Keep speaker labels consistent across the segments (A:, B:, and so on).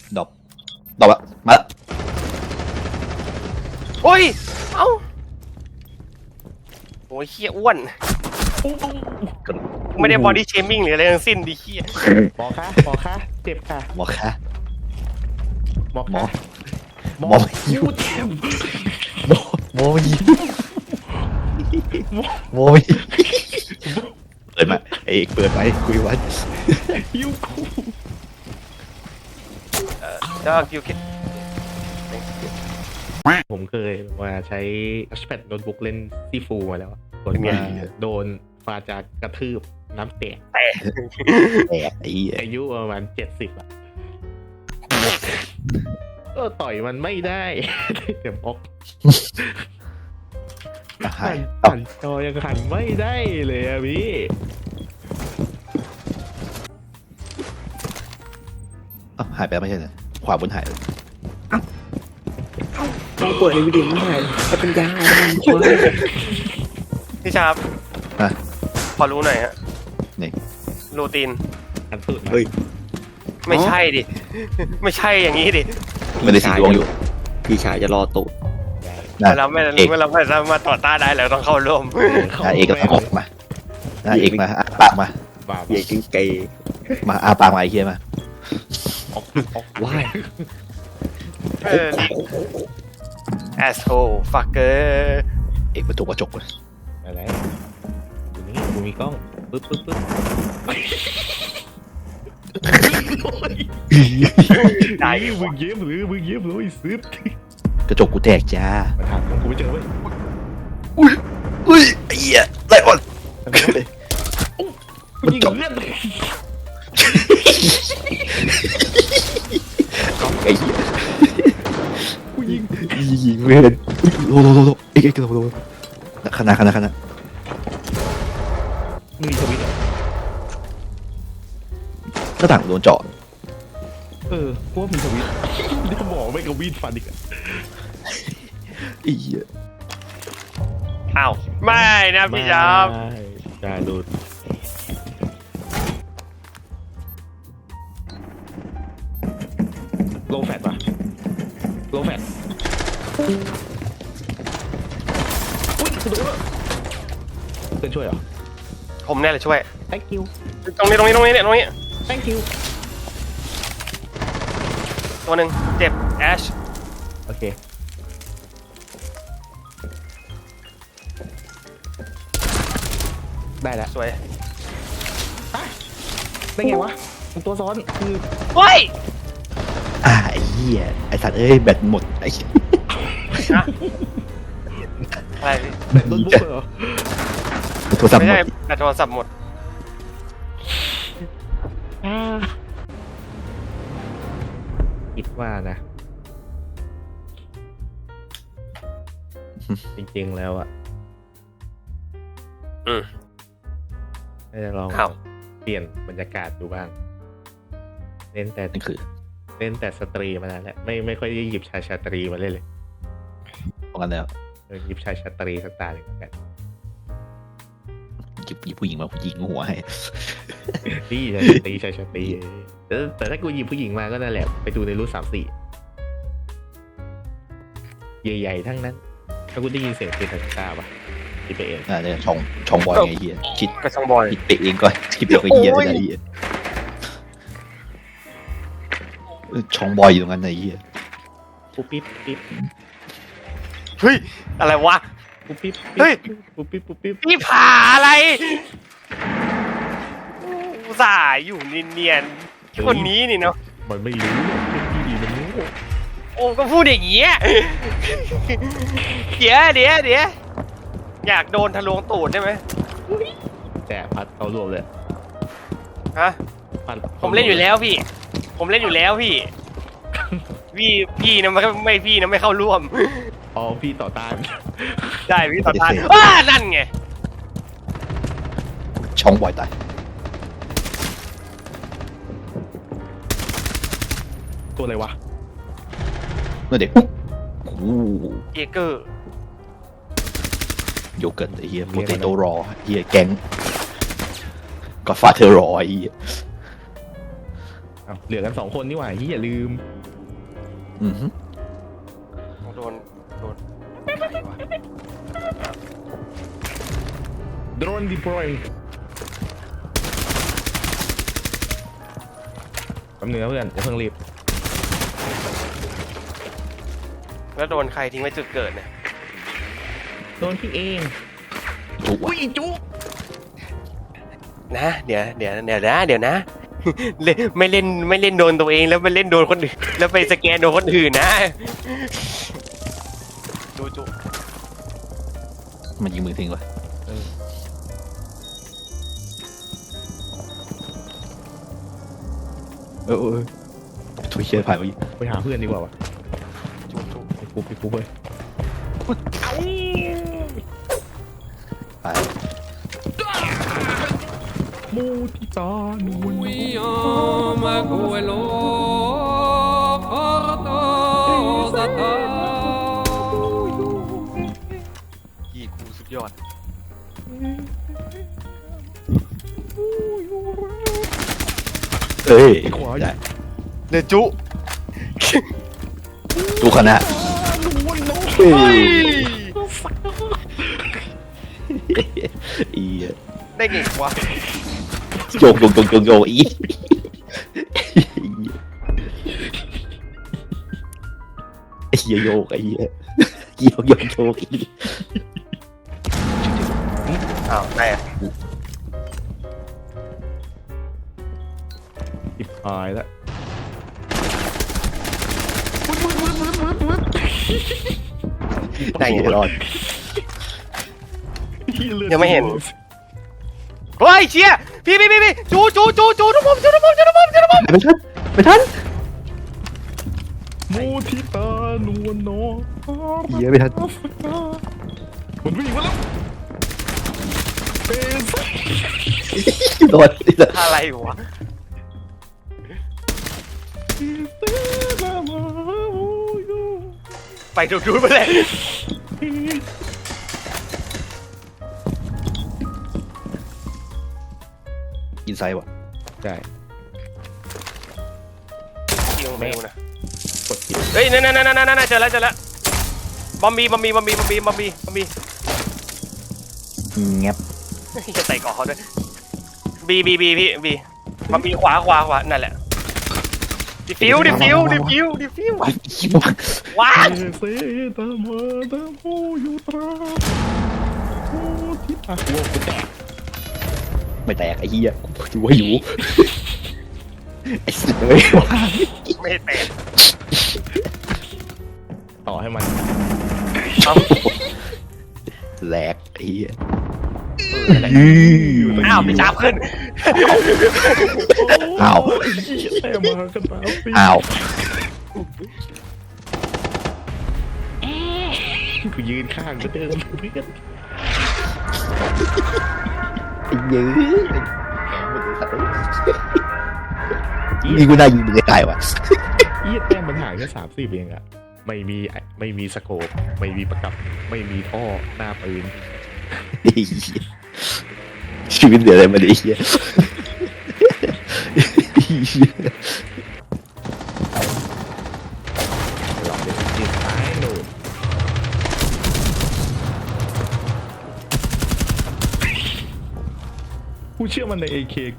A: ดอกดอกละมาละ
B: โอ้ยเอ้าโอ้ยเฮียอ้วนไม่ได้บอดี้เชมิ่งหรืออะไรทั้งสิ้นดิเฮีย
C: หมอคะเจ็บค่ะ
A: หมอคะ
C: หมอ
A: หมอ
C: คะ
A: หมอยิว
C: เจ็บ
A: หมอยิวหมอยิวเปิดมาไอ้เอกเปิดไว้คุยไว้
C: หิวกู
B: Dog you can
C: ผมเคยว่าใช้ทัชแพดโน้ตบุ๊กเล่นซีฟูมาแล้วกดมาโดนฟาจากกระทืบน้ำแตก
A: แตกไอ้เหี้ย
C: อายุประมาณ70อะก็ต่อยมันไม่ได้ เดี๋ยวบอก
A: หาย
C: หันจอยังหันไม่ได้เลยอะพี่
A: หายไปแล้วไม่ใช่เหรอขวาบนหายเลย
D: ต้องเปิดในวิดีโอไม่ได้จะเป็นยาอะไรมันช่วย
B: พี่ชาบพอรู้หน่อยฮะ
A: นี่
B: รูตีน
C: หันสุด
D: เฮ้ย
B: ไม่ใช่ดิ ไม่ใช่อย่างนี้ดิ
A: ไม่ได้สีดวงอยู่
D: พี่ชายจะรอตูด
A: นะ
B: เราไม่สามารถต่อต้านได้แล้วต้องเข้าร่วม
A: เอกแล้วออกมาเอกมาปากมา
C: บ้า
D: ใหญ่จริงเกย์
A: มาปากมาไอ้เหี้ยมา
D: ว้าย
B: asshole fucker
A: เอกประตูกระจกเลย
C: อะไรอยู่นี่กูมีกล้องปึ๊บ
B: ได้
C: มึงเย็บหรือมึงเย็บเลยซึบ
A: กระจกกูแตกจ้า
C: มาถามของกูไม่เจอเว้ย
A: อุ้ยไอ้เหี้ยไล่ก่อน
C: กูยิงเลือด
A: ไอ้เหี้ย
C: กูยิง
A: ยิงเว้ยโลเอกโลขนาด
C: มึงมีสวิตช์เหรอ
A: หน้าต่างโดนเจาะ
C: พวกมีสวิตช์นี่หมอไม่กระวีดฟันอีกอะ
A: ไอ้เหี้ย
B: อ้าวไม่นะพี่ชาบ
C: ได้ดูโลแฟตป่ะโลแฟตอุ้ยคุณดูแล้วเพื่อนช่วยเหรอ
B: ผมเนี่ยแหละช่วย
C: thank you
B: ตรงนี้เนี่ยตรงนี้
C: thank you
B: ตัวหนึ่งเจ็บแอช
C: โอเคได้แล้ว
B: สวย
C: ได้ไงวะมันตัวซ้อนคือ
B: เฮ้ย
A: ไอ้เหี้ยไอ้สัตว์เอ้ยแบตหมดไอ้
B: นะอะไรพี่
C: โน้ตบุ๊กเหรอ
A: โทรศัพท์
B: ไม่
A: หม
B: ใช่
A: ด
B: แบตโทรศัพท์หมด
C: คิดว่านะ จริงๆแล้วอ่ะ
B: อืม
C: น่าจะลอง
B: อ้าว
C: เปลี่ยนบรรยากาศดูบ้างเล่นแต่
A: นั่นคือ
C: เล่นแต่สตรีมานานแล้วไม่ค่อยได้หยิบชายชาตรีมาเล่นเลย
A: เพราะงั้นแล้ว
C: หยิบชายชาตรีสักตาหนึ่งแล้วกัน
A: หยิบผู้หญิงมายิงหัวให้
C: นี่ชายชาตรีแต่ถ้ากูหยิบผู้หญิงมาก็นั่นแหละไปดูในรุ่น3-4ใหญ่ๆทั้งนั้น ถ้ากูได้ยินเสียงเพลงทักษะป่ะคิดไปเอง
A: เนี่ยช่องบอยไงเหี้ยคิด
B: กระชองบอย
A: คิดไปเองก่อนคิดไปเองก็เหี้ยเลยไอ้เหี้ยช่องบอยอยู่ตรงนั้นไอ้เหี้ย
C: ปุ๊บปิ๊บปิ๊บ
B: เฮ้ยอะไรวะ
C: ปุ๊บปิ๊บ
B: เฮ้ย
C: ปุ๊บปิ๊บปุ๊บปิ๊บ
B: พี่ผ่าอะไรอุตส่าห์อยู่เนียนๆคนนี้นี่เนาะ
C: มันไม่รู้พี่มันรู้
B: โอ้ก็พูดอย่างเงี้ยเดี๋ยวอยากโดนทะลวงตูดได้ไหม
C: แต่พัดเขารวมเลย
B: ฮะ
C: พัด
B: ผมเล่นอยู่แล้วพี่ พี่พี่นะไม่พี่นะไม่เข้าร่วม
C: อ๋อพี่ต่อต้าน
B: ได้พี่ต่อต้านนั่นไง
A: ช่องบอยตาย
C: ตัวอะไรวะ
A: เมื่อเด็กโอ้โห
B: เอเกอร์
A: โยเกิร์ตไอ้เหี้ยโปเตโต้รอเหี้ยแกงก็ฟาเธอรอไอ้เหี้ย
C: เหลือกัน2 คนนี่หว่าอย่าลืม
A: อือฮึ
B: โดนใครวะ
C: โดรนดิพลอยแป๊บนึงนะเพื่อนอย่าเพิ่งรีบ
B: แล้วโดนใครทิ้งไว้จุดเกิดเนี่ย
C: โดนพี่เอง
A: จุก
C: อุ้ยจุ๊
B: นะเดี๋ยวนะ ไม่เล่นโดนตัวเองแล้วไปเล่นโดนคนอื่นแล้วไปสแกนโดนคนอื่นนะดูจุ
A: มันยิงมือทิ้งวะเออถุยเชียร์ผ่านไปอีก
C: ไปหาเพื่อนดีกว่าวะ
B: จุ
C: ไปปุ๊บเลย
A: ไป
C: มูทิตานูน
E: Uyama guelo porto zata
B: ยี่กูสุดยอด
A: เอ้ย
C: ขวา
A: ได้
B: เดี๋ยวจุ
A: จุกคณะ
B: เฮ้ย
A: อี
B: ได้ไงวะ
A: โยกอีไอ้เหี้ยโยกไอ้เหี้ยโยกอี
B: อ้าวได้อะ
C: ติดหายแล้ว
B: ได้ไง
A: รอด
B: ยังไม่เห็น เฮ้ยเชียพี่จูทุกมุม
A: ไม่ทัน
C: มูทิตานวลน้อง
A: เหี้ยไม่ทัน
C: มันวิ่งมาแล้วเป็น
A: โดน
B: อะไรวะไปดูไปเลย
A: อินไซด์ว่ะ
C: ใช่
B: ยิงไม่รู้นะ
C: กดผิด
B: เฮ้ยนั่นเจอแล้วบอมบี้
A: แงบ
B: จะใส่ก่อเขาด้วยบีพี่บอมบี้ขวานั่นแหละดิฟิว
A: ไปยิง
B: ว้า
C: เซตามาตาโมยูตรามูทิตาโว้กูแตก
A: ไม่แตกไอ้เหี้ยอยู่ว่าอยู่ไอ้สัตว์เลยว่ะ
B: ไม่แตก
C: ต่อให้มัน
A: แหลกไอ้เหี้ย
B: อ้าวไปจับขึ้น
A: อ้าว
C: แต่มากันตาปี
A: อ้าว
C: กูยืนข้างก็เดินเพื่อน
A: ไอ้เหี้ยยิงกูได้ยิงมึงตายว่ะ
C: อีแต้มมันห่างแค่30เองอะไม่มีสโคปไม่มีประกับไม่มีท่อหน้าปืน
A: ไอ้เหี้ยชีวิตเดือดอะไรมาดิไอ้เหี้ย
C: หลอกเด็กยืนซ้ายโดดกูเชื่อมันใน AK กู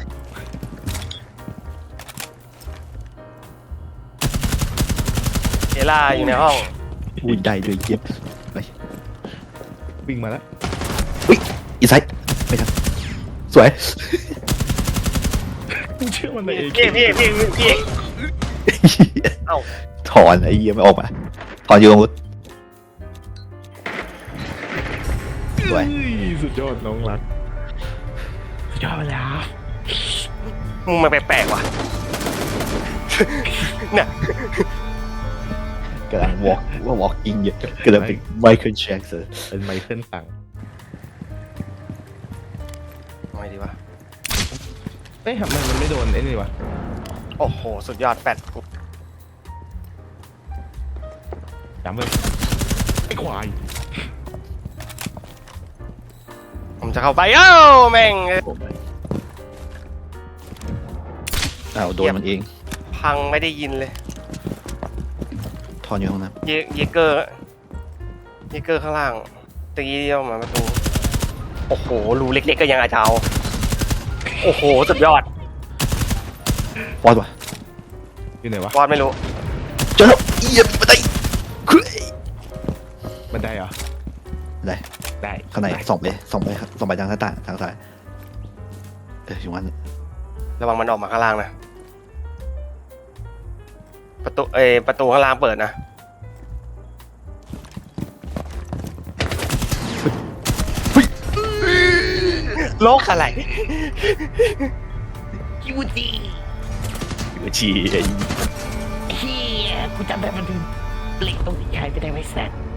B: เอล่าอยู่ในห้อง
A: อุ้ยได้ด้วยเย็บไป
C: วิ่งมาแล้ว
A: อินไซด์ไม่ทันสวย
C: กูเชื่อมันใน AK
B: พี่เอ้า
A: ถอนไอ้เหี้ยไม่ออกมาถอนอยู่ตรงนู้นสวย
C: เฮ้ยสุดยอดน้องรักสุดยอดไปแล้ว
B: มึงมาแปลกๆว่ะเนี่ย
A: กำลังวอล์กอิงอยู่กำลังเป็นไมเคิลแจ็คสัน
C: เป็นไมเคิลตัง
B: ทำไงดีวะ
C: เอ้ยทำไมมันไม่โดนไอ้นี่วะ
B: โอ้โหสุดยอดแฟด
C: จำเลยไอ้ควาย
B: ผมจะเข้าไปเอ้าแม่ง
A: อ้าวโดนมันเอง
B: พังไม่ได้ยินเลย
A: อนอยู่ห้องน้
B: เยเกอร์ข้างล่างตะกี้ที่ออกมาประตูโอ้โหรูเล็กๆก็ยังอาจจะเอาโอ้โหสุดยอด
A: ำปอดว่ะ
C: อยู่ไหนวะ
B: วอดไม่รู้
A: เจอแล้วเอียบมาได้คือ
C: บันไดเหรอ
A: ได้
C: ได้
A: ข้างใน
C: ได้
A: ส่องไปทางหน้าต่างทางซ้ายอยู่งั้น
B: ระวังมันออกมาข้างล่างนะประตูข้างล่างเปิดนะโลกอะไร
A: อยู่ชีไอ้
F: เฮียกูจำได้มันเป็นเหล็กตรงที่หายไปได้ไว้แซด